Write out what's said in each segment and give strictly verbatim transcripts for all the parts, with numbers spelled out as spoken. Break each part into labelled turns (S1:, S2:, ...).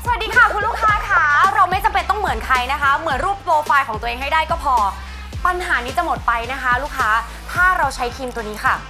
S1: สวัสดีค่ะคุณลูกค้าค่ะเราไม่จำเป็นต้องเหมือนใครนะคะเหมือนรูปโปรไฟล์ของตัวเองให้ได้ก็พอปัญหานี้จะหมดไปนะคะ ลูกค้าถ้าเราใช้ครีมตัวนี้ค่ะ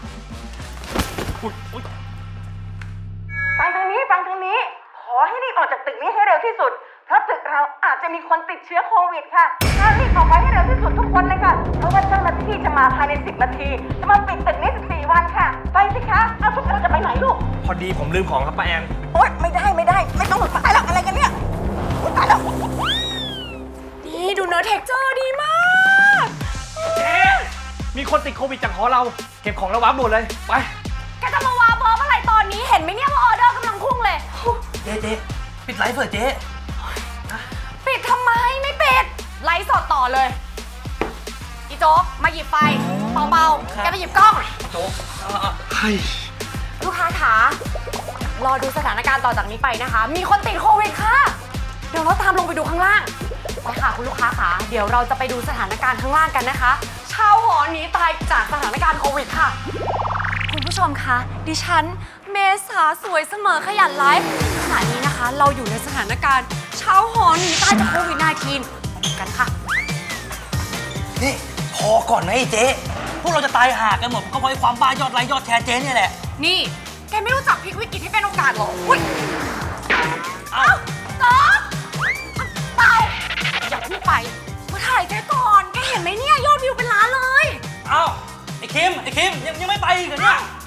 S2: ฟังทางนี้ฟังทางนี้ขอให้รีบออกจากตึกนี้ให้เร็วที่สุดเพราะตึกเราอาจจะมีคนติดเชื้อโควิดค่ะถ้ารีบออกไปให้เร็วที่สุดทุกคนเลยค่ะเพราะว่าเจ้าหน้าที่จะมาภายในสิบนาทีจะมาปิดตึกนี้สิบสี่วันค่ะไปสิคะเอาทุกคนจะไปไหนลูก
S3: พอดีผมลืมของครับป้าแอน
S2: โอ๊ยไม่ได้ไม่ได้ไม่ต้องหลุดตายแล้วอะไรกันเนี่ยอุ๊ยตายแล้ว
S1: นี่ดูเนื้อเท็กเจอร์ดีมาก
S3: เจ๊มีคนติดโควิดจากหอเราเก็บของแล้ววางหมดเลยไป
S1: แกจะมาวาเบอร์อะไรตอนนี้เห็นไหมเนี่ยว่าออเดอร์กำลังพุ่งเลย
S3: เจ๊เจ๊ปิดไลฟ์เถอะเจ๊
S1: ปิดทำไมไม่ปิดไลฟ์สดต่อเลยอีโจ๊กมาหยิบไฟเบาๆแกไปหยิบกล้อง
S3: โจ๊กให้
S1: ลูกค้าขารอดูสถานการณ์ต่อจากนี้ไปนะคะ มีคนติดโควิดค่ะเดี๋ยวเราตามลงไปดูข้างล่างไปค่ะคุณลูกค้าขาเดี๋ยวเราจะไปดูสถานการณ์ข้างล่างกันนะคะชาวหอหนีตายจากสถานการณ์โควิดค่ะคุณผู้ชมคะดิฉันเมษาสวยเสมอขยันไลฟ์ขณะนี้นะคะ เราอยู่ในสถานการณ์ชาวหอหนีตายจากโควิด สิบเก้า มาดูกันค่ะ
S4: นี่พอก่อนนะไอ้เจ๊พวกเราจะตายห่ากันหมดก็เพราะไอ้ความบ้ายอดไลค์ยอดแชร์เจ๊เนี่ยแหละ
S1: นี่แกไม่รู้จักพลิกวิกฤตให้เป็นโอกาสเหรออุ้ยเอ้าต๊อกเปล่าอย่าเพิ่งไปมาถ่ายแกก่อนแกเห็นไหมเนี่ยยอดวิวเป็นล้านเลย
S4: เอ้าไอ้คิมไอ้คิมยังยังไม่ไปอีกเหรอเนี่ย